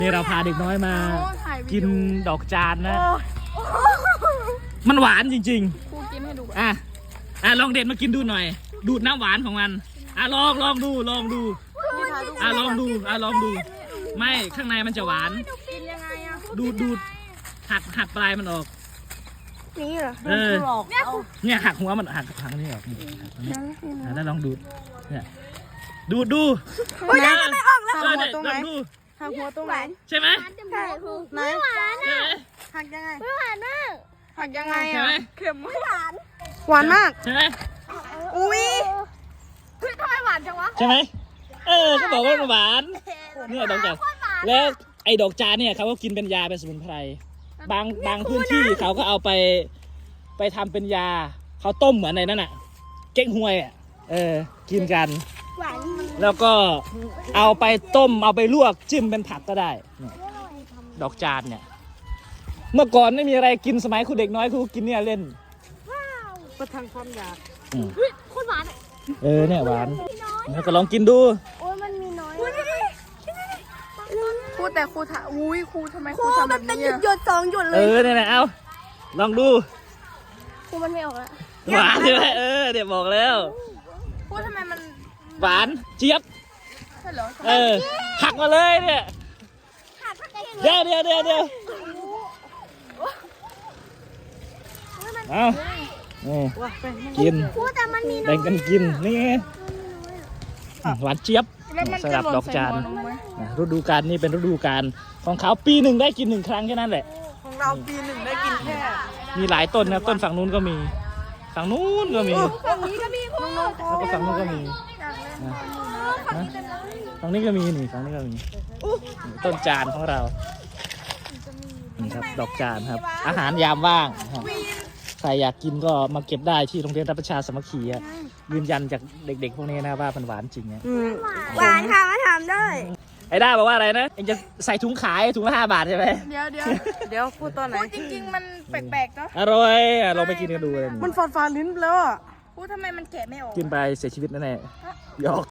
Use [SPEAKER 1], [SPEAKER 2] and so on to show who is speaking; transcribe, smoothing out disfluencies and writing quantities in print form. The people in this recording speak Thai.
[SPEAKER 1] นี่เราพาเด็กน้อยมากินดอกจานนะมันหวานจริงๆครูกินให้ดูลองเด็ดมากินดูหน่อยดูดน้ำหวานของมันลองดูลองดูไม่ข้างในมันจะหวานกินยังไงดูดหักปลายมันออก
[SPEAKER 2] นี่เหรอ
[SPEAKER 1] เนี่ยหักหัวมันหักนี่ออกแล้วลองดูเนี่ยดู
[SPEAKER 2] ยังไม่ออกแล้ว
[SPEAKER 1] หักหัวตรงไหน
[SPEAKER 2] หักหัวตรงไหน
[SPEAKER 1] ใช่ไหม
[SPEAKER 2] ใช่ไม่หวานอ่ะหักยังไงไม่หวานมากหักยังไงอ่ะเค็มไม่หวานหวานมาก
[SPEAKER 1] ใช่ไหม
[SPEAKER 2] อุ้ยทำไมหวานจังวะ
[SPEAKER 1] ใช่ไหมก็บอกว่าหวานเนี่ยดอกจานแล้วไอ้ดอกจานเนี่ยเขาก็กินเป็นยาเป็นสมุนไพรบางพื้นที่เขาก็เอาไปทำเป็นยาเขาต้มเหมือนในนั้นอ่ะเก๊กฮวยกินกันแล้วก็เอาไปต้มเอาไปลวกจิ้มเป็นผักก็ได้ดอกจานเนี่ยเมื่อก่อนไม่มีอะไรกินสมัยครูเด็กน้อยครูกินเนี่ยเล่น
[SPEAKER 2] ประทังความอยาก
[SPEAKER 1] โคตรหวานเนี่ยหวานแล้วก็ลองกินดู
[SPEAKER 2] โอ้ยมันมีน้อยครูแต่ครูถามครูทำไมครูทำแบบนี้หยดสองหยดเลย
[SPEAKER 1] เนี่ยเอาลองดู
[SPEAKER 2] ครูมันไม่ออกแล้ว
[SPEAKER 1] หวานใช่ไหมเดี๋ยวบอกแล้ว
[SPEAKER 2] ครูทำไมมัน
[SPEAKER 1] หวานเจี๊ยบหักมาเลยเนี่ยเดี๋ยวเอากินแบ่งกันกินนี่หวานเจี๊ยบสำหรับดอกจานฤดูกาลนี่เป็นฤดูกาลของเขาปีหนึ่งได้กิน1 ครั้งแค่นั้นแหละ
[SPEAKER 2] ของเราปีหนึ่งได้กินแค่
[SPEAKER 1] มีหลายต้นนะต้นฝั่งนู้นก็มีฝั่งนู้นก็มี
[SPEAKER 2] ฝั่งนี้ก็มี
[SPEAKER 1] แล้วก็ฝั่งนู้นก็มีฝั่งนี้ก็มีนี่ฝั่งนี้ก็มีต้นจานของเรานี่ครับดอกจานครับอาหารยามว่างใครอยากกินก็มาเก็บได้ที่โรงเรียนรัฐประชาสามัคคียืนยันจากเด็กๆพวกนี้นะว่ามันหวานจริงเนี่ย
[SPEAKER 2] หวานค่ะมาทำได้
[SPEAKER 1] ไอ้ด้าบอกว่าอะไรนะเองจะใส่ถุงขายถุงละ5 บาทใช่ไหม
[SPEAKER 2] เดี๋ยวพูดตอนไหนพูดจริงๆมันแปลกๆเนาะ
[SPEAKER 1] อร่อยลองไปกินกันดูเลย
[SPEAKER 2] มันฝาดลิ้นแล้วอ่ะพูดทำไมมันแกะไม่ออก
[SPEAKER 1] กินไปเสียชีวิตแน่ๆหยอก